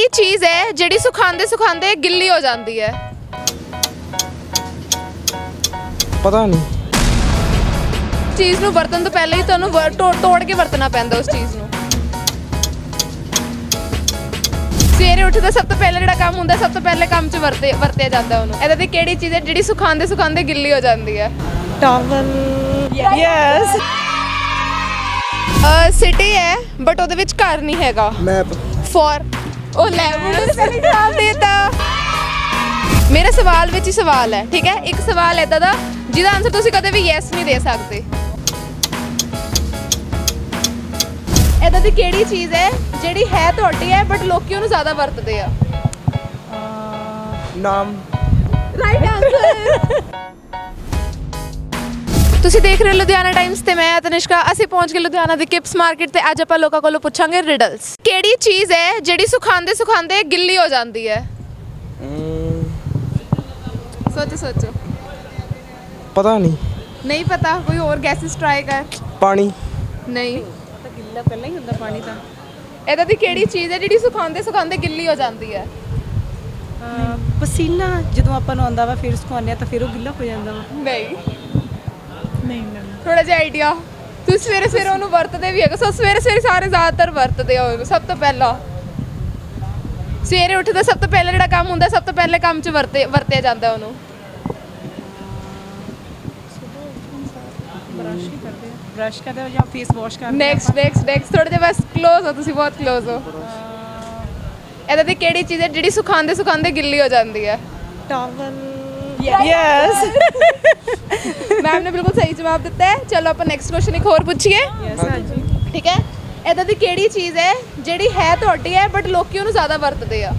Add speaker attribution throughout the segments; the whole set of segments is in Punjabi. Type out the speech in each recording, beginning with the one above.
Speaker 1: ਕਿਹੜੀ ਚੀਜ਼ ਹੈ ਜਿਹੜੀ ਸੁਖਾਉਂਦੇ ਸੁਖਾਉਂਦੇ ਗਿੱਲੀ ਹੋ ਜਾਂਦੀ ਹੈ?
Speaker 2: ਪਤਾ ਨਹੀਂ।
Speaker 1: ਚੀਜ਼ ਨੂੰ ਵਰਤਣ ਤੋਂ ਪਹਿਲਾਂ ਹੀ ਤੁਹਾਨੂੰ ਤੋੜ ਕੇ ਵਰਤਣਾ ਪੈਂਦਾ ਉਸ ਚੀਜ਼ ਨੂੰ। ਸਵੇਰੇ ਉੱਠਦਾ ਸਭ ਤੋਂ ਪਹਿਲਾਂ ਜਿਹੜਾ ਕੰਮ ਹੁੰਦਾ, ਸਭ ਤੋਂ ਪਹਿਲੇ ਕੰਮ 'ਚ ਵਰਤਿਆ ਜਾਂਦਾ ਉਹਨੂੰ। ਇਹਦਾ ਦੀ ਕਿਹੜੀ ਚੀਜ਼ ਹੈ ਜਿਹੜੀ ਸੁਖਾਉਂਦੇ ਸੁਖਾਉਂਦੇ ਗਿੱਲੀ ਹੋ ਜਾਂਦੀ ਹੈ?
Speaker 3: ਟਾਵਲ। ਯੈਸ।
Speaker 1: ਸਿਟੀ ਹੈ ਬਟ ਉਹਦੇ ਵਿੱਚ ਘਰ ਨਹੀਂ ਹੈਗਾ।
Speaker 2: ਮੈਪ।
Speaker 1: ਫॉर ਉਹ ਲੈ ਮੈਨੂੰ ਸਹੀ ਜਵਾਬ ਦੇਤਾ। ਮੇਰਾ ਸਵਾਲ ਵਿੱਚ ਹੀ ਸਵਾਲ ਹੈ, ਠੀਕ ਹੈ? ਇੱਕ ਸਵਾਲ ਇਦਾਂ ਦਾ ਜਿਹਦਾ ਆਨਸਰ ਤੁਸੀਂ ਕਦੇ ਵੀ ਯੈਸ ਨਹੀਂ ਦੇ ਸਕਦੇ। ਇਦਾਂ ਦੀ ਕਿਹੜੀ ਚੀਜ਼ ਹੈ ਜਿਹੜੀ ਹੈ ਤੁਹਾਡੀ ਹੈ ਬਟ ਲੋਕੀ ਉਹਨੂੰ ਜ਼ਿਆਦਾ ਵਰਤਦੇ ਆ?
Speaker 2: ਨਾਮ।
Speaker 1: Right answer. ਤੁਸੀਂ ਦੇਖ ਰਹੇ ਹੋ ਲੁਧਿਆਣਾ ਟਾਈਮਸ ਤੇ ਮੈਂ ਤਨਿਸ਼ਕਾ। ਅਸੀਂ ਪਹੁੰਚ ਗਏ ਲੁਧਿਆਣਾ ਦੀ ਕਿਪਸ ਮਾਰਕੀਟ ਤੇ ਅੱਜ ਆਪਾਂ ਲੋਕਾਂ ਕੋਲੋਂ ਪੁੱਛਾਂਗੇ ਰਿਡਲਸ। ਕਿਹੜੀ ਚੀਜ਼ ਹੈ ਜਿਹੜੀ ਸੁਖਾਉਂਦੇ ਸੁਖਾਉਂਦੇ ਗਿੱਲੀ ਹੋ ਜਾਂਦੀ ਹੈ? ਸੋਚੋ ਸੋਚੋ।
Speaker 2: ਪਤਾ ਨਹੀਂ।
Speaker 1: ਨਹੀਂ ਪਤਾ? ਕੋਈ ਹੋਰ ਗੈਸਿਸ ਟਰਾਈ ਕਰ।
Speaker 2: ਪਾਣੀ।
Speaker 1: ਨਹੀਂ।
Speaker 3: ਤਾਂ ਗਿੱਲਾ ਪਹਿਲਾਂ ਹੀ ਹੁੰਦਾ ਪਾਣੀ ਤਾਂ।
Speaker 1: ਇਹਦਾ ਦੀ ਕਿਹੜੀ ਚੀਜ਼ ਹੈ ਜਿਹੜੀ ਸੁਖਾਉਂਦੇ ਸੁਖਾਉਂਦੇ ਗਿੱਲੀ ਹੋ ਜਾਂਦੀ ਹੈ?
Speaker 3: ਪਸੀਨਾ ਜਦੋਂ ਆਪਾਂ ਨੂੰ ਆਉਂਦਾ ਵਾ ਫਿਰ ਸੁਕਾਉਂਦੇ ਆ ਤਾਂ ਫਿਰ ਉਹ ਗਿੱਲਾ ਹੋ ਜਾਂਦਾ ਵਾ।
Speaker 1: ਨਹੀਂ।
Speaker 3: ਨਹੀਂ
Speaker 1: ਥੋੜਾ ਜਿਹਾ ਆਈਡੀਆ। ਤੁਸੀਂ ਸਵੇਰੇ ਸਵੇਰੇ ਉਹਨੂੰ ਵਰਤਦੇ ਵੀ ਹੈਗੇ। ਸੋ ਸਵੇਰੇ ਸਵੇਰੇ ਸਾਰੇ ਜ਼ਿਆਦਾਤਰ ਵਰਤਦੇ ਆ ਉਹਨੂੰ। ਸਭ ਤੋਂ ਪਹਿਲਾਂ ਸਵੇਰੇ ਉੱਠਦਾ ਸਭ ਤੋਂ ਪਹਿਲਾਂ ਜਿਹੜਾ ਕੰਮ ਹੁੰਦਾ, ਸਭ ਤੋਂ ਪਹਿਲੇ ਕੰਮ 'ਚ ਵਰਤਿਆ ਜਾਂਦਾ ਉਹਨੂੰ।
Speaker 3: ਬ੍ਰਸ਼ ਕਰਦੇ ਹੋ ਜਾਂ ਫੇਸ ਵਾਸ਼ ਕਰਦੇ?
Speaker 1: ਨੈਕਸਟ ਥੋੜੇ ਜਿਹਾ ਬਸ ਕਲੋਜ਼ ਹੋ ਤੁਸੀਂ, ਬਹੁਤ ਕਲੋਜ਼ ਹੋ। ਇਹਦਾ ਦੀ ਕਿਹੜੀ ਚੀਜ਼ ਹੈ ਜਿਹੜੀ ਸੁਖਾਉਂਦੇ ਸੁਖਾਉਂਦੇ ਗਿੱਲੀ ਹੋ ਜਾਂਦੀ ਹੈ?
Speaker 3: ਟਾਵਲ। ਯੈਸ।
Speaker 1: ਮੈਮ ਨੇ ਬਿਲਕੁਲ ਸਹੀ ਜਵਾਬ ਦਿੱਤਾ ਹੈ। ਚਲੋ ਆਪਾਂ ਨੈਕਸਟ ਕੁਐਸਚਨ ਇੱਕ ਹੋਰ ਪੁੱਛੀਏ।
Speaker 3: ਯੈਸ ਹਾਂਜੀ।
Speaker 1: ਠੀਕ ਹੈ? ਇਹਦਾ ਦੀ ਕਿਹੜੀ ਚੀਜ਼ ਹੈ ਜਿਹੜੀ ਹੈ ਤੁਹਾਡੀ ਹੈ ਬਟ ਲੋਕੀ ਉਹਨੂੰ ਜ਼ਿਆਦਾ ਵਰਤਦੇ ਆ?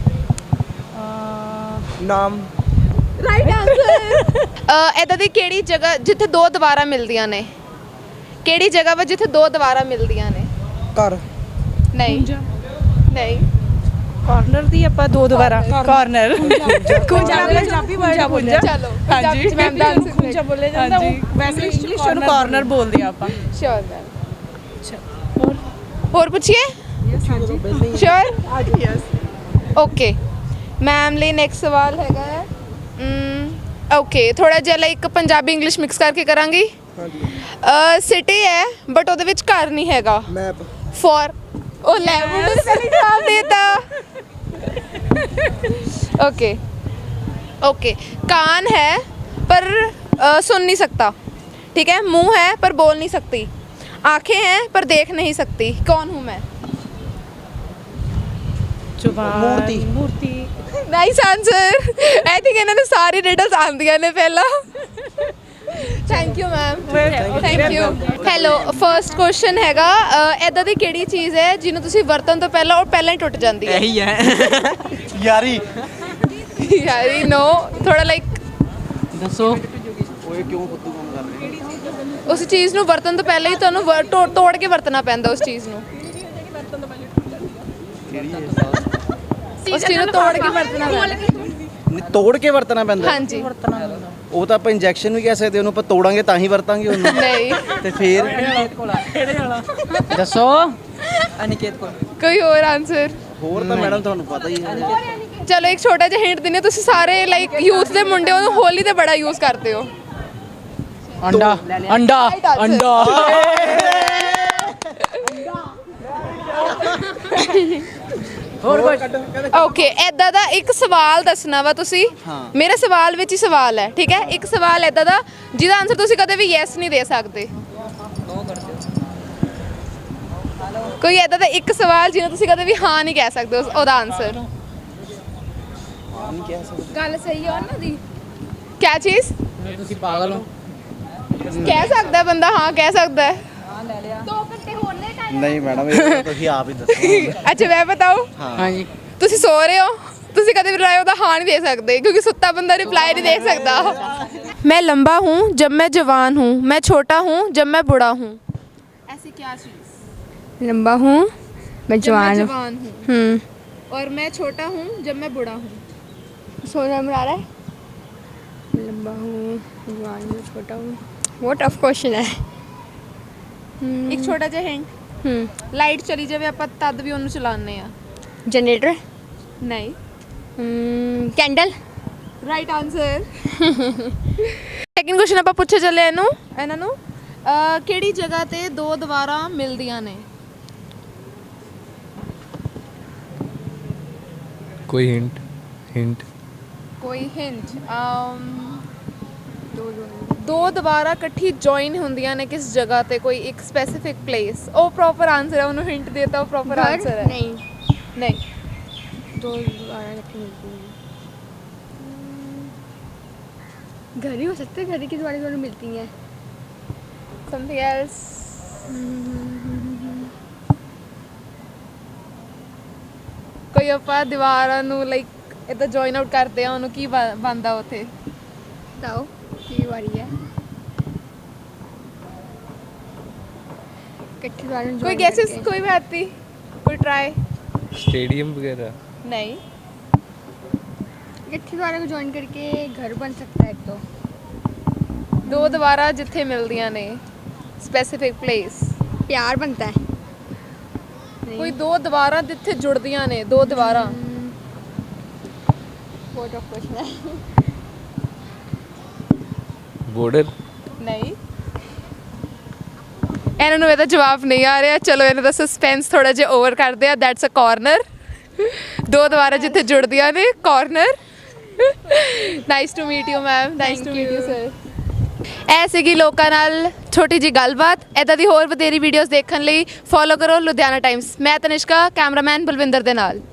Speaker 2: ਨਾਮ।
Speaker 1: Right answer. ਇਹਦਾ ਦੀ ਕਿਹੜੀ ਜਗ੍ਹਾ ਜਿੱਥੇ ਦੋ ਦੀਵਾਰਾਂ ਮਿਲਦੀਆਂ ਨੇ? ਕਿਹੜੀ ਜਗ੍ਹਾ ਵਾ ਜਿੱਥੇ ਦੋ ਦੀਵਾਰਾਂ ਮਿਲਦੀਆਂ ਨੇ?
Speaker 2: ਘਰ।
Speaker 1: ਨਹੀਂ ਨਹੀਂ।
Speaker 3: ਕਾਰਨਰ ਦੀ ਆਪਾਂ ਦੋ ਦੁਬਾਰਾ ਕਾਰਨਰ। ਪੰਜਾਬੀ ਵਰਡ ਬੋਲਿਆ।
Speaker 1: ਚਲੋ
Speaker 3: ਹਾਂਜੀ
Speaker 1: ਮੈਮ ਦਾ ਆਨਸਰ
Speaker 3: ਖੁੰਝਾ ਬੋਲਿਆ ਜਾਂਦਾ। ਵੈਸੇ ਇੰਗਲਿਸ਼ ਨੂੰ ਕਾਰਨਰ ਬੋਲਦੇ ਆ ਆਪਾਂ।
Speaker 1: Sure ma'am. ਹੋਰ ਪੁੱਛੀਏ? ਸ਼ੋਰ।
Speaker 3: ਯੈਸ।
Speaker 1: ਓਕੇ ਮੈਮ ਲਈ ਨੈਕਸਟ ਸਵਾਲ ਹੈਗਾ ਓਕੇ ਥੋੜਾ ਜਿਹਾ ਲਾਈਕ ਪੰਜਾਬੀ ਇੰਗਲਿਸ਼ ਮਿਕਸ ਕਰਕੇ ਕਰਾਂਗੀ। ਸਿਟੀ ਹੈ ਬਟ ਉਹਦੇ ਵਿੱਚ ਘਰ ਨਹੀਂ ਹੈਗਾ।
Speaker 2: ਮੈਪ।
Speaker 1: ਫॉर ਉਹ ਲੈ ਮੈਨੂੰ ਸਹੀ ਜਵਾਬ ਦੇਤਾ। ओके कान है पर सुन नहीं सकता, ठीक है? मुंह है पर बोल नहीं सकती, आंखें हैं पर देख नहीं सकती। कौन हूँ मैं?
Speaker 2: मूर्ति।
Speaker 3: मूर्ति।
Speaker 1: Nice answer. आई थिंक इन्होंने सारी रिडल्स आंदियां ने पहला। Thank you ma'am. Thank you. Hello first question हैगा इदां दी किहड़ी चीज़ है जिन्हों तुसीं वरतन तो पहला और पहला ही टुट जाती है?
Speaker 2: यही है यारी।
Speaker 1: यारी नो थोड़ा लाइक
Speaker 2: दसो ओए क्यों फुद्दू काम कर रहे हैं?
Speaker 1: उस चीज़ ਨੂੰ ਵਰਤਣ ਤੋਂ ਪਹਿਲਾਂ ਹੀ ਤੁਹਾਨੂੰ ਤੋੜ ਕੇ ਵਰਤਣਾ ਪੈਂਦਾ ਉਸ ਚੀਜ਼ ਨੂੰ। ਉਸ ਚੀਜ਼ ਨੂੰ ਤੋੜ ਕੇ ਵਰਤਣਾ ਪੈਂਦਾ।
Speaker 2: ਤੋੜ ਕੇ ਵਰਤਣਾ ਪੈਂਦਾ?
Speaker 1: ਹਾਂਜੀ।
Speaker 2: ਉਹ ਤਾਂ ਆਪਾਂ ਇੰਜੈਕਸ਼ਨ ਵੀ ਕਹਿ ਸਕਦੇ ਉਹਨੂੰ, ਆਪਾਂ ਤੋੜਾਂਗੇ ਤਾਂ ਹੀ ਵਰਤਾਂਗੇ ਉਹਨੂੰ।
Speaker 1: ਨਹੀਂ
Speaker 2: ਤੇ ਫਿਰ ਦੱਸੋ
Speaker 3: ਅਨਿਕੇਤ ਕੋਲ।
Speaker 1: ਕੋਈ ਹੋਰ ਆਨਸਰ?
Speaker 2: ਹੋਰ ਤਾਂ ਮੈਡਮ ਤੁਹਾਨੂੰ ਪਤਾ ਹੀ ਹੈ।
Speaker 1: ਚਲੋ ਇੱਕ ਛੋਟਾ ਜਿਹਾ ਹਿੰਟ ਦਿੰਦੇ। ਤੁਸੀਂ ਸਾਰੇ ਲਾਈਕ ਯੂਥ ਦੇ ਮੁੰਡੇ ਉਹਨੂੰ ਹੋਲੀ ਤੇ ਬੜਾ ਯੂਜ਼ ਕਰਦੇ ਹੋ।
Speaker 2: ਅੰਡਾ। ਅੰਡਾ। ਅੰਡਾ। ਹੋਰ
Speaker 1: ਓਕੇ ਐਦਾਂ ਦਾ ਇੱਕ ਸਵਾਲ ਦੱਸਣਾ ਵਾ ਤੁਸੀਂ। ਮੇਰਾ ਸਵਾਲ ਵਿੱਚ ਹੀ ਸਵਾਲ ਹੈ, ਠੀਕ ਹੈ? ਇੱਕ ਸਵਾਲ ਐਦਾਂ ਦਾ ਜਿਹਦਾ ਆਨਸਰ ਤੁਸੀਂ ਕਦੇ ਵੀ ਯੈਸ ਨਹੀਂ ਦੇ ਸਕਦੇ। ਕੋਈ ਐਦਾਂ ਦਾ ਇੱਕ ਸਵਾਲ ਜਿਹਨੂੰ ਤੁਸੀਂ ਕਦੇ ਵੀ ਹਾਂ ਨਹੀਂ ਕਹਿ ਸਕਦੇ ਉਹਦਾ ਆਨਸਰ। ਗੱਲ ਸਹੀ ਹੈ ਉਹਨਾਂ ਦੀ। ਕਿਆ ਚੀਜ਼?
Speaker 2: ਤੁਸੀਂ ਪਾਗਲ ਹੋ।
Speaker 1: ਕਹਿ ਸਕਦਾ ਬੰਦਾ, ਹਾਂ ਕਹਿ ਸਕਦਾ ਹੈ।
Speaker 2: ਨਹੀਂ ਮੈਡਮ ਇਹ ਤੁਸੀਂ ਆਪ ਹੀ ਦੱਸੋ।
Speaker 1: ਅੱਛਾ ਮੈਂ ਬਤਾਉ?
Speaker 2: ਹਾਂਜੀ।
Speaker 1: ਤੁਸੀਂ ਸੋ ਰਹੇ ਹੋ, ਤੁਸੀਂ ਕਦੇ ਵੀ ਰਿਪਲਾਈ ਉਹਦਾ ਹਾਂ ਨਹੀਂ ਦੇ ਸਕਦੇ क्योंकि सुत्ता बंदा रिप्लाई नहीं दे सकता। मैं लंबा हूँ जब मैं जवान हूँ, मैं छोटा हूँ जब मैं बूढ़ा हूँ। ऐसी क्या चीज़?
Speaker 4: लंबा हूँ मैं जवान हूँ
Speaker 1: और मैं छोटा हूँ जब मैं बूढ़ा हूँ।
Speaker 4: सोना में आ रहा है। लंबा हूँ जवान हूँ छोटा हूँ। वो टफ क्वेश्चन है।
Speaker 1: एक छोटा जिहा हिंट। लाइट चली जावे ਆਪਾਂ ਤਦ ਵੀ ਉਹਨੂੰ ਚਲਾਉਂਦੇ ਆ।
Speaker 4: जनरेटर।
Speaker 1: ਨਹੀਂ
Speaker 4: candle
Speaker 1: right answer second question ਆਪਾਂ ਪੁੱਛੇ ਚੱਲੇ ਇਹਨਾਂ ਨੂੰ ਕਿਹੜੀ ਜਗ੍ਹਾ ਤੇ ਦੋ ਦੀਵਾਰਾਂ ਮਿਲਦੀਆਂ ਨੇ
Speaker 5: कोई हिंट हिंट
Speaker 1: ਕੋਈ ਹਿੰਟ ਦੋ ਦੀਵਾਰਾਂ ਇਕੱਠੀ ਜੁਆਇਨ ਹੁੰਦੀਆਂ ਨੇ ਕਿਸ ਜਗ੍ਹਾ ਤੇ ਕੋਈ ਇੱਕ ਸਪੈਸੀਫਿਕ ਪਲੇਸ ਉਹ ਪ੍ਰੋਪਰ ਆਨਸਰ ਹੈ ਉਹਨੂੰ ਹਿੰਟ ਦੇਤਾ ਉਹ ਪ੍ਰੋਪਰ ਆਨਸਰ ਹੈ
Speaker 4: नहीं
Speaker 1: ਨਹੀਂ
Speaker 4: दो दोबारा इकट्ठी मिलती हैं घर ही हो सकते हैं, घर ही की दोबारा मिलती हैं।
Speaker 1: ਸਮਥਿੰਗ ਐਲਸ ਕੋਈ ਆਪਾਂ ਦੀਵਾਰਾਂ ਨੂੰ ਲਾਈਕ ਇਦਾਂ ਜੁਆਇਨ ਆਊਟ ਕਰਦੇ ਆ ਉਹਨੂੰ ਕੀ ਬਣਦਾ ਉੱਥੇ
Speaker 4: बताओ की बारी है इकट्ठी दोबारा
Speaker 1: कोई
Speaker 4: join
Speaker 1: गैसेस
Speaker 4: करके।
Speaker 1: कोई बात नहीं कोई ट्राई
Speaker 5: स्टेडियम वगैरह
Speaker 1: नहीं
Speaker 4: इकट्ठी दोबारा को ज्वाइन करके घर बन सकता है एक तो
Speaker 1: ਦੋ ਦੀਵਾਰਾਂ ਜਿੱਥੇ ਮਿਲਦੀਆਂ ਨੇ ਸਪੈਸੀਫਿਕ ਪਲੇਸ
Speaker 4: प्यार बनता है
Speaker 1: ਕੋਈ ਦੋ ਦੀਵਾਰਾਂ ਜਿੱਥੇ ਜੁੜਦੀਆਂ ਨੇ ਦੋ ਦੀਵਾਰਾਂ
Speaker 4: बहुत टफ क्वेश्चन है
Speaker 5: बॉर्डर
Speaker 1: ਨਹੀਂ ਇਹਨਾਂ ਨੂੰ ਇਹਦਾ ਜਵਾਬ ਨਹੀਂ ਆ ਰਿਹਾ ਚਲੋ ਇਹਨਾਂ ਦਾ ਸਸਪੈਂਸ ਥੋੜਾ ਜਿਹਾ ਓਵਰ ਕਰਦੇ ਆ ਦੈਟਸ ਅ ਕਾਰਨਰ ਦੋ ਦੀਵਾਰਾਂ ਜਿੱਥੇ ਜੁੜਦੀਆਂ ਨੇ corner nice to meet you ma'am nice to meet you sir ਇਹ ਸੀਗੀ ਲੋਕਾਂ ਨਾਲ ਛੋਟੀ ਜੀ ਗੱਲਬਾਤ ਇੱਦਾਂ ਦੀ ਹੋਰ ਵਧੇਰੀ ਵੀਡੀਓਜ਼ ਦੇਖਣ ਲਈ ਫੋਲੋ ਕਰੋ ਲੁਧਿਆਣਾ ਟਾਈਮਸ ਮੈਂ ਤਨਿਸ਼ਕਾ ਕੈਮਰਾਮੈਨ ਬਲਵਿੰਦਰ ਦੇ ਨਾਲ